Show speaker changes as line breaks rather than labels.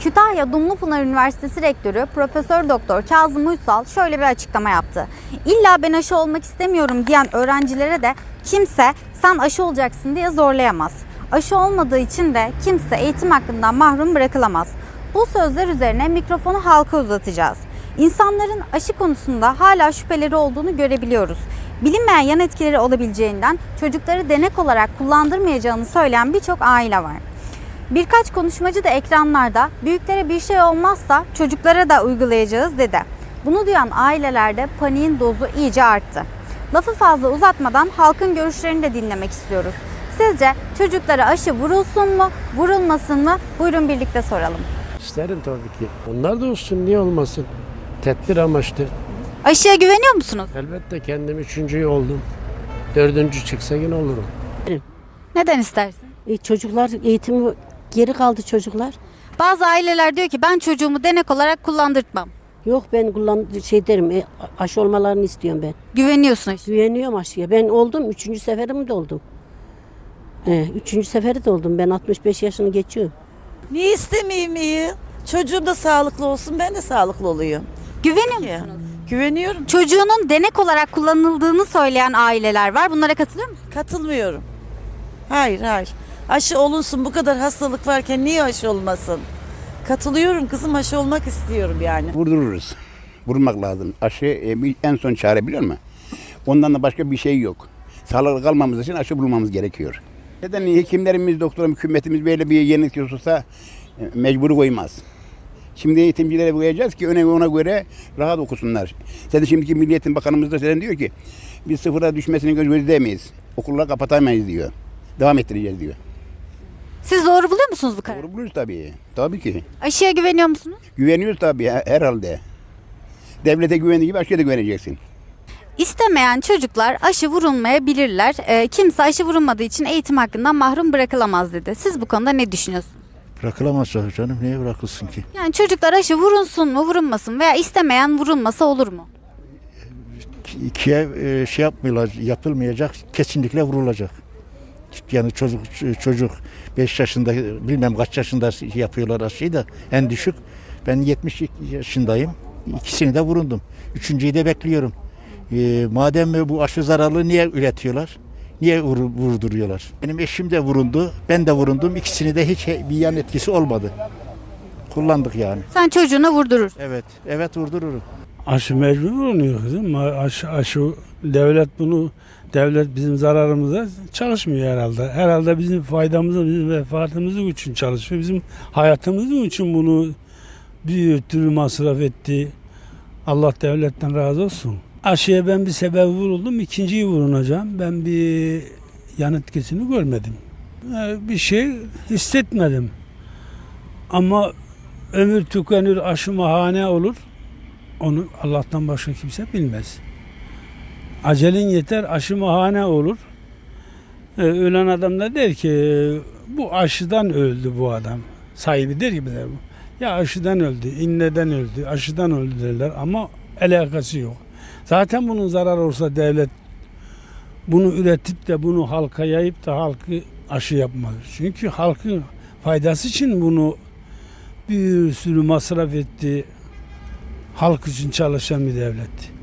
Kütahya Dumlupınar Üniversitesi Rektörü Profesör Doktor Kazım Uysal şöyle bir açıklama yaptı. İlla ben aşı olmak istemiyorum diyen öğrencilere de kimse sen aşı olacaksın diye zorlayamaz. Aşı olmadığı için de kimse eğitim hakkından mahrum bırakılamaz. Bu sözler üzerine mikrofonu halka uzatacağız. İnsanların aşı konusunda hala şüpheleri olduğunu görebiliyoruz. Bilinmeyen yan etkileri olabileceğinden çocukları denek olarak kullandırmayacağını söyleyen birçok aile var. Birkaç konuşmacı da ekranlarda büyüklere bir şey olmazsa çocuklara da uygulayacağız dedi. Bunu duyan ailelerde paniğin dozu iyice arttı. Lafı fazla uzatmadan halkın görüşlerini de dinlemek istiyoruz. Sizce çocuklara aşı vurulsun mu, vurulmasın mı? Buyurun birlikte soralım.
İsterim tabii ki. Onlar da olsun, niye olmasın? Tedbir amaçlı.
Aşıya güveniyor musunuz?
Elbette kendim 3. oldum. 4. çıksa yine olurum.
Neden istersin?
Çocuklar eğitimi geri kaldı çocuklar.
Bazı aileler diyor ki ben çocuğumu denek olarak kullandırtmam.
Yok ben derim aşı olmalarını istiyorum ben.
Güveniyorsun aşıya.
Güveniyorum aşıya. Ben oldum 3. seferim de oldum. 3. seferi de oldum. Ben 65 yaşını geçiyorum.
Niye istemeyeyim iyi? Çocuğum da sağlıklı olsun, ben de sağlıklı olayım.
Güveniyor musunuz?
Güveniyorum.
Çocuğunun denek olarak kullanıldığını söyleyen aileler var. Bunlara katılıyor musunuz?
Katılmıyorum. Hayır. Aşı olunsun, bu kadar hastalık varken niye aşı olmasın? Katılıyorum kızım, aşı olmak istiyorum yani.
Vurdururuz. Vurmak lazım. Aşı en son çare, biliyor musun? Ondan da başka bir şey yok. Sağlıklı kalmamız için aşı bulmamız gerekiyor. Neden hekimlerimiz, doktorumuz, hükümetimiz böyle bir yenilik olursa mecbur koymaz. Şimdi eğitimcilere koyacağız ki ona göre rahat okusunlar. Zaten şimdiki Milli Eğitim Bakanımız da söyledi, diyor ki biz sıfıra düşmesini gözleyemeyiz. Okulları kapatamayız diyor. Devam ettireceğiz diyor.
Siz doğru buluyor musunuz bu kararı?
Doğru buluyoruz tabii. Tabii ki.
Aşıya güveniyor musunuz?
Güveniyoruz tabii herhalde. Devlete güvendiği gibi aşıya da güveneceksin.
İstemeyen çocuklar aşı vurulmayabilirler. Kimse aşı vurulmadığı için eğitim hakkından mahrum bırakılamaz dedi. Siz bu konuda ne düşünüyorsunuz?
Bırakılamaz canım. Niye bırakılsın ki?
Yani çocuklar aşı vurulsun mu vurulmasın veya istemeyen vurulmasa olur mu?
İkiye yapılmayacak, kesinlikle vurulacak. Yani çocuk 5 yaşında, bilmem kaç yaşında yapıyorlar aşıyı da en düşük. Ben 70 yaşındayım. İkisini de vurundum. 3.'yü de bekliyorum. Madem bu aşı zararlı niye üretiyorlar? Niye vurduruyorlar? Benim eşim de vurundu, ben de vurundum. İkisini de hiç bir yan etkisi olmadı. Kullandık yani.
Sen çocuğuna vurdurursun.
Evet vurdururum.
Aşı mecbur oluyor kızım. Aşı devlet bizim zararımıza çalışmıyor herhalde. Herhalde bizim faydamıza, bizim vefatımız için çalışıyor. Bizim hayatımız için bunu bir türlü masraf etti. Allah devletten razı olsun. Aşıya ben bir sebebi vuruldum, ikinciyi vurunacağım. Ben bir yan etkisini görmedim. Bir şey hissetmedim. Ama ömür tükenir, aşı mahane olur. Onu Allah'tan başka kimse bilmez. Acelin yeter, aşı mahane olur. Ölen adam da der ki bu aşıdan öldü bu adam. Sahibi der ki bize, ya aşıdan öldü, inneden öldü, aşıdan öldü derler ama alakası yok. Zaten bunun zararı olsa devlet bunu üretip de bunu halka yayıp da halkı aşı yapmaz. Çünkü halkın faydası için bunu bir sürü masraf etti. Halk için çalışan bir devlet.